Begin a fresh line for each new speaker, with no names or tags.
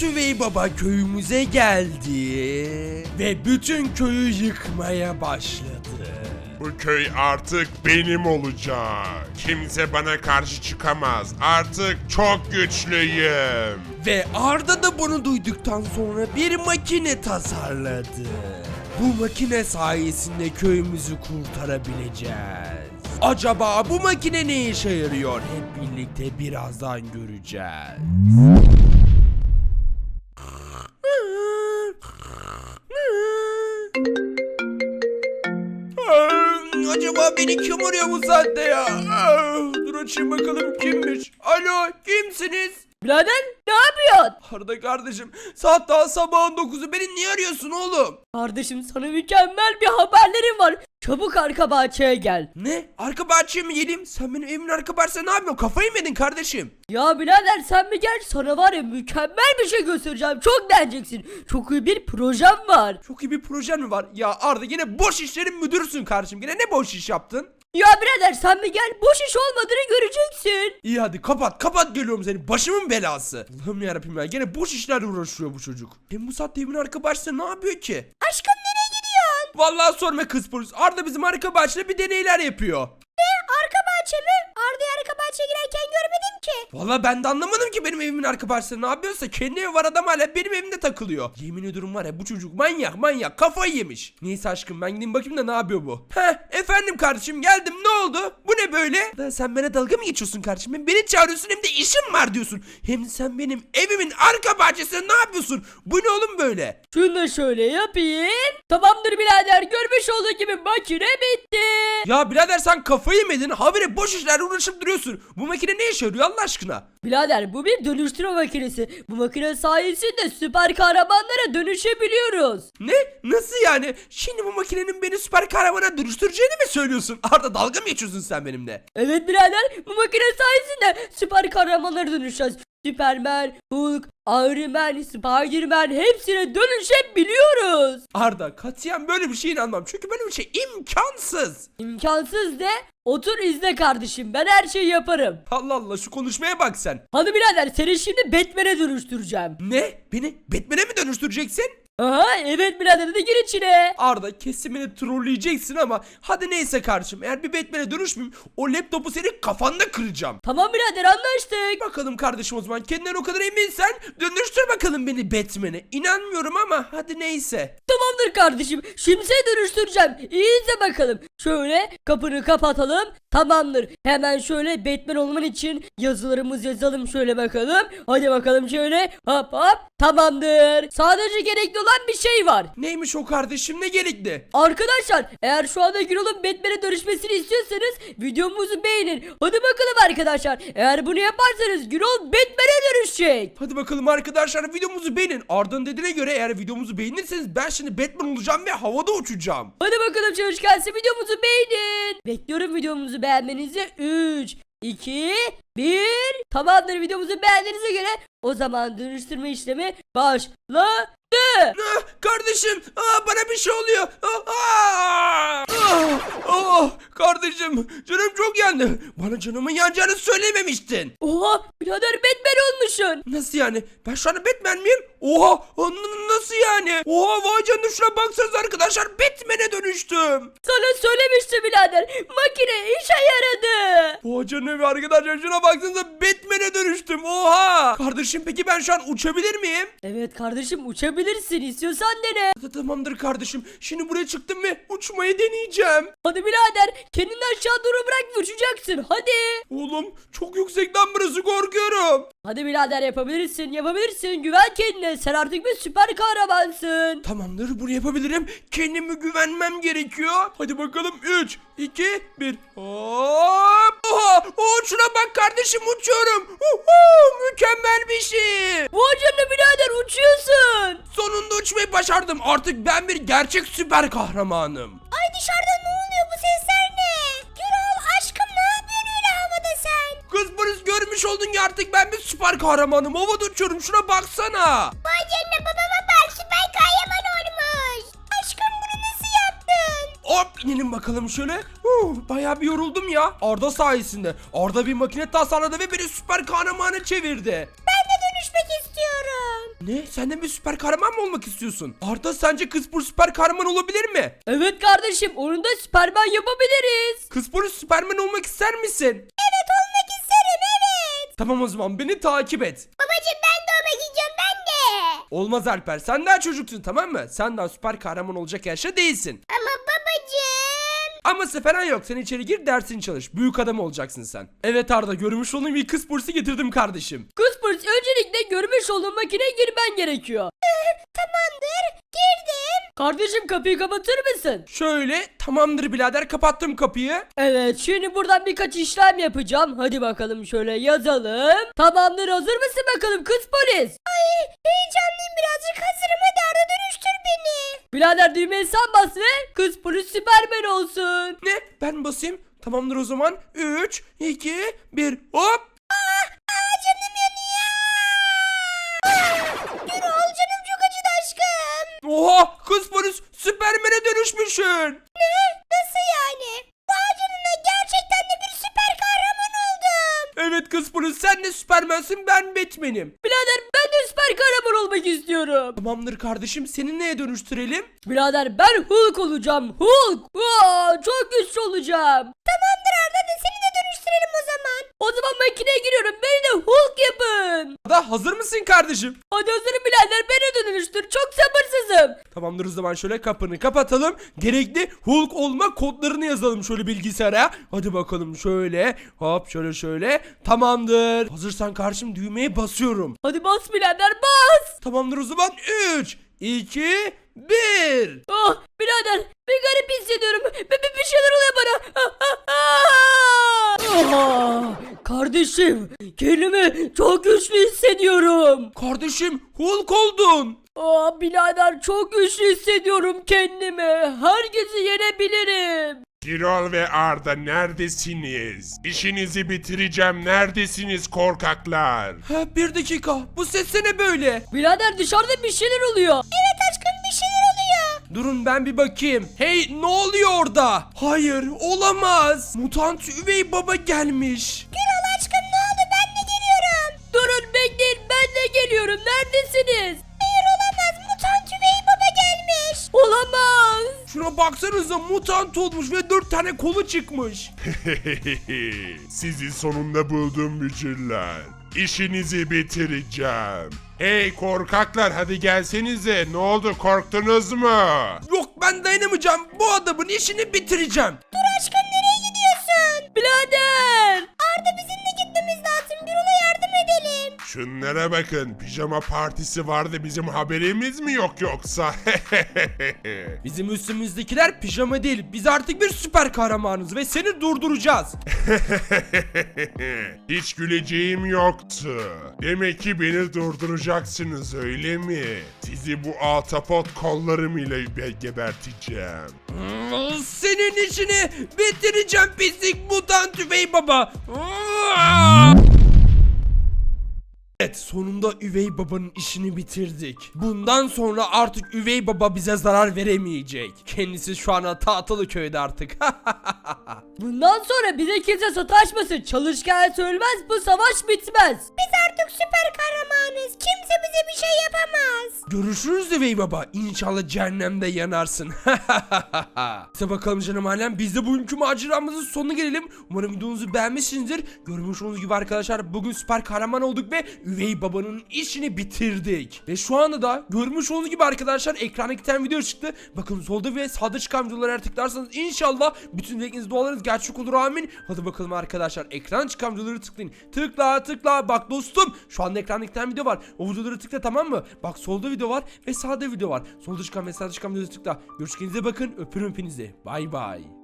Büyük Üvey Baba köyümüze geldi ve bütün köyü yıkmaya başladı.
Bu köy artık benim olacak. Kimse bana karşı çıkamaz. Artık çok güçlüyüm.
Ve Arda da bunu duyduktan sonra bir makine tasarladı. Bu makine sayesinde köyümüzü kurtarabileceğiz. Acaba bu makine ne işe yarıyor? Hep birlikte birazdan göreceğiz. Acaba beni kim arıyor bu saatte ya? Dur açayım bakalım kimmiş. Alo, kimsiniz?
Birader ne yapıyorsun?
Arda kardeşim, saat daha sabahın 9'u, beni niye arıyorsun oğlum?
Kardeşim sana mükemmel bir haberlerim var. Çabuk arka bahçeye gel.
Ne? Arka bahçeye mi geleyim? Sen benim evimin arka bahçesine ne yapıyorsun? Kafayı mı yedin kardeşim?
Ya birader sen bir gel, sana var ya mükemmel bir şey göstereceğim. Çok beğeneceksin. Çok iyi bir projem var.
Çok iyi bir projen mi var? Ya Arda, yine boş işlerin müdürüsün kardeşim. Yine ne boş iş yaptın?
Ya birader sen bir gel, boş iş olmadığını göreceksin.
İyi hadi kapat geliyorum seni. Başımın belası. Allah'ım yarabbim ya, gene boş işlerle uğraşıyor bu çocuk. Hem bu saatte evimin arka bahçesinde ne yapıyor ki?
Aşkım nereye gidiyorsun?
Vallahi sorma kız polis. Arda bizim arka bahçede bir deneyler yapıyor.
Arka bahçe mi? Arda'yı arka bahçeye girerken görmedim ki.
Vallahi ben de anlamadım ki benim evimin arka bahçesinde ne yapıyorsa. Kendi evi var, adam hala benim evimde takılıyor. Yemin ediyorum var ya, bu çocuk manyak kafayı yemiş. Neyse aşkım, ben gideyim bakayım da ne yapıyor bu. Efendim kardeşim, geldim, ne oldu? Bu ne böyle? Da sen bana dalga mı geçiyorsun kardeşim? Hem beni çağırıyorsun hem de işim var diyorsun. Hem sen benim evimin arka bahçesinde ne yapıyorsun? Bu ne oğlum böyle?
Şunu da şöyle yapayım. Tamamdır birader, görmüş olduğu gibi makine bitti.
Ya birader, sen kafayı yemedin. Habire boş işlerle uğraşıp duruyorsun. Bu makine ne işe yarıyor Allah aşkına?
Birader bu bir dönüştürme makinesi. Bu makine sayesinde süper kahramanlara dönüşebiliyoruz.
Ne? Nasıl yani? Şimdi bu makinenin beni süper kahramana dönüştüreceğini mi söylüyorsun? Arda, dalga mı geçiyorsun sen benimle?
Evet birader, bu makine sayesinde süper kahramanlara dönüşeceğiz. Superman, Hulk, Iron Man, Spiderman hepsine dönüşebiliyoruz.
Arda, katiyen böyle bir şeye inanmam. Çünkü böyle bir şey imkansız.
İmkansız de, otur izle kardeşim, ben her şeyi yaparım.
Allah Allah, şu konuşmaya bak sen.
Hadi birader, seni şimdi Batman'e dönüştüreceğim.
Ne? Beni Batman'e mi dönüştüreceksin?
Aha evet birader, hadi gir içine.
Arda, kesin beni trolleyeceksin ama hadi neyse kardeşim. Eğer bir Batman'e dönüşmeyeyim, o laptopu senin kafanda kıracağım.
Tamam birader, anlaştık.
Bakalım kardeşim, o zaman kendinden o kadar eminsen dönüştür bakalım beni Batman'e. İnanmıyorum ama hadi neyse.
Tamamdır kardeşim, şimdi seni dönüştüreceğim. İyi izle bakalım. Şöyle kapını kapatalım. Tamamdır. Hemen şöyle Batman olman için yazılarımızı yazalım şöyle bakalım. Hadi bakalım şöyle. Hop hop. Tamamdır. Sadece gerekli olan bir şey var.
Neymiş o kardeşim, ne gerekli?
Arkadaşlar, eğer şu anda Gürol'un Batman'e dönüşmesini istiyorsanız videomuzu beğenin. Hadi bakalım arkadaşlar. Eğer bunu yaparsanız Gürol Batman'e dönüşecek.
Hadi bakalım arkadaşlar, videomuzu beğenin. Arda'nın dediğine göre eğer videomuzu beğenirseniz ben şimdi Batman olacağım ve havada uçacağım.
Hadi bakalım çalışkansı, videomuzu beğenin. Bekliyorum videomuzu beğenmenizi. 3, 2, 1. Tamamdır, videomuzu beğendiğinize göre o zaman dönüştürme işlemi başladı.
Kardeşim, bana bir şey oluyor. Kardeşim, canım çok yandı. Bana canımın yanacağını söylememiştin.
Oha birader, Batman olmuşsun.
Nasıl yani? Ben şu anda Batman miyim? Oha, nasıl yani? Oha, vay canına, şuna baksanıza arkadaşlar, Batman'e dönüştüm.
Sana söylemiştim birader, makine işe yaradı.
Vay canına arkadaşlar, şuna baksanıza, Batman'e dönüştüm. Oha. Kardeşim, peki ben şu an uçabilir miyim?
Evet kardeşim, uçabilirsin, istiyorsan dene.
Tamamdır kardeşim. Şimdi buraya çıktım ve uçmayı deneyeceğim.
Hadi birader, kendini aşağı doğru bırak ve uçacaksın, hadi.
Oğlum, çok yüksekten burası, korkuyorum.
Hadi birader, yapabilirsin, güven kendine, sen artık bir süper kahramansın.
Tamamdır, bunu yapabilirim. Kendime güvenmem gerekiyor. Hadi bakalım, 3, 2, 1. Hop! Oha! Şuna bak kardeşim, uçuyorum. Mükemmel bir şey.
Vay canına birader, uçuyorsun.
Sonunda uçmayı başardım. Artık ben bir gerçek süper kahramanım.
Ay dışarıda ne oluyor, bu sesler ne? Gürol aşkım, ne yapıyorsun öyle havada sen?
Kız polis, görmüş oldun ya, artık ben bir süper kahramanım. Havada uçuyorum, şuna baksana.
Vay canına, babama bak, süper kahraman olmuş. Aşkım, bunu nasıl yaptın?
Hop, inelim bakalım şöyle. Bayağı bir yoruldum ya. Arda sayesinde. Arda bir makine tasarladı ve beni süper kahramana çevirdi.
Ben de dönüşmek istiyorum.
Ne? Sen de bir süper kahraman mı olmak istiyorsun? Arda sence Kıspur süper kahraman olabilir mi?
Evet kardeşim, onu da Süperman yapabiliriz.
Kıspur süperman olmak ister misin?
Evet olmak isterim evet.
Tamam o zaman beni takip et.
Babacım ben de olmak istiyorum ben de.
Olmaz Alper, sen daha çocuksun, tamam mı? Sen daha süper kahraman olacak yaşta değilsin.
Ama babacım.
Aması falan yok, sen içeri gir dersini çalış. Büyük adam olacaksın sen. Evet Arda, görmüş olduğum bir kız bursu getirdim kardeşim.
Kıspır, öncelikle görmüş olduğun makineye girmen gerekiyor.
Tamamdır girdim.
Kardeşim, kapıyı kapatır mısın?
Şöyle, tamamdır birader, kapattım kapıyı.
Evet, şimdi buradan birkaç işlem yapacağım. Hadi bakalım, şöyle yazalım. Tamamdır, hazır mısın bakalım kız polis?
Ay heyecanlıyım birazcık hazırım hadi Arda dönüştür beni.
Birader, düğmeye sen bas ve kız polis Süperman olsun.
Ne? Ben basayım. Tamamdır o zaman. 3, 2, 1, hop.
Canım yanıyor. Gürol canım çok acıdı aşkım.
Oha, kız polis Süpermen'e dönüşmüşsün.
Nasıl yani? Vay canına gerçekten de bir süper kahraman oldum.
Evet kız polis, sen de Süpermen'sin, ben Batman'im.
Birader, ben de süper kahraman olmak istiyorum.
Tamamdır kardeşim, seni neye dönüştürelim?
Birader, ben Hulk olacağım. Hulk. Çok güçlü olacağım.
Tamamdır Arda da seni de dönüştürelim o zaman.
O zaman makineye giriyorum. Beni de Hulk yapın.
Arda, hazır mısın kardeşim?
Hadi hazırım birader, beni de dönüştür. Çok sabırsızım.
Tamamdır o zaman, şöyle kapını kapatalım. Gerekli Hulk olma kodlarını yazalım şöyle bilgisayara. Hadi bakalım şöyle. Hop şöyle. Tamamdır. Hazırsan karşım, düğmeye basıyorum.
Hadi bas birader, bas.
Tamamdır o zaman. 3, 2, 1.
Oh birader, bir garip hissediyorum. Bir şeyler oluyor bana. Kardeşim, kendimi çok güçlü hissediyorum.
Kardeşim, Hulk oldun.
Birader, çok güçlü hissediyorum kendimi. Herkesi yenebilirim.
Gürol ve Arda neredesiniz? İşinizi bitireceğim. Neredesiniz korkaklar?
Ha, bir dakika. Bu ses ne böyle?
Birader, dışarıda bir şeyler oluyor.
Evet aşkım bir şeyler oluyor.
Durun ben bir bakayım. Hey, ne oluyor orada? Hayır, olamaz. Mutant üvey baba gelmiş.
Gürol aşkım ne oldu ben de geliyorum.
Durun, bekleyin, ben de geliyorum. Neredesiniz?
Hayır olamaz mutant üvey baba gelmiş.
Olamaz.
Şuna baksanıza, mutant olmuş ve 4 tane kolu çıkmış.
Sizi sonunda buldum bücürler. İşinizi bitireceğim. Hey korkaklar, hadi gelsenize. Ne oldu, korktunuz mu?
Yok, ben dayanamayacağım. Bu adamın işini bitireceğim.
Dur aşkım nereye gidiyorsun?
Birader.
Arda bizim de gitmemiz lazım. Gürol'a yardım edelim.
Şunlara bakın, pijama partisi vardı, bizim haberimiz mi yok yoksa?
Bizim üstümüzdekiler pijama değil. Biz artık bir süper kahramanız ve seni durduracağız.
Hiç güleceğim yoktu. Demek ki beni durduracaksınız öyle mi? Sizi bu ahtapot kollarım ile geberteceğim.
Senin işini bitireceğim pislik mutant üvey baba. Evet, sonunda üvey babanın işini bitirdik. Bundan sonra artık üvey baba bize zarar veremeyecek. Kendisi şu an tahtalı köyde artık.
Bundan sonra bize kimse sataşmasın. Çalışkan ölmez, bu savaş bitmez.
Biz artık süper kahramanız. Kimse bize bir şey yapamaz.
Görüşürüz üvey baba. İnşallah cehennemde yanarsın. İşte bakalım canım alem, biz de bugünkü maceramızın sonuna gelelim. Umarım videomuzu beğenmişsinizdir. Görmüş olduğunuz gibi arkadaşlar, bugün süper kahraman olduk ve üvey babanın işini bitirdik. Ve şu anda da görmüş olduğunuz gibi arkadaşlar, ekrana iki tane video çıktı. Bakın solda ve sağda çıkan videolara tıklarsanız inşallah bütün dilekleriniz, dualarınız gerçek olur, amin. Hadi bakalım arkadaşlar, ekran çıkan videoları tıklayın. Tıkla. Bak dostum, şu anda ekranda iki tane video var. O videoları tıkla, tamam mı? Bak solda video var ve sağda video var. Solda çıkan ve sağda çıkan videoları tıkla. Görüşürüz, bakın, öpürüm hepinizi. Bay bay.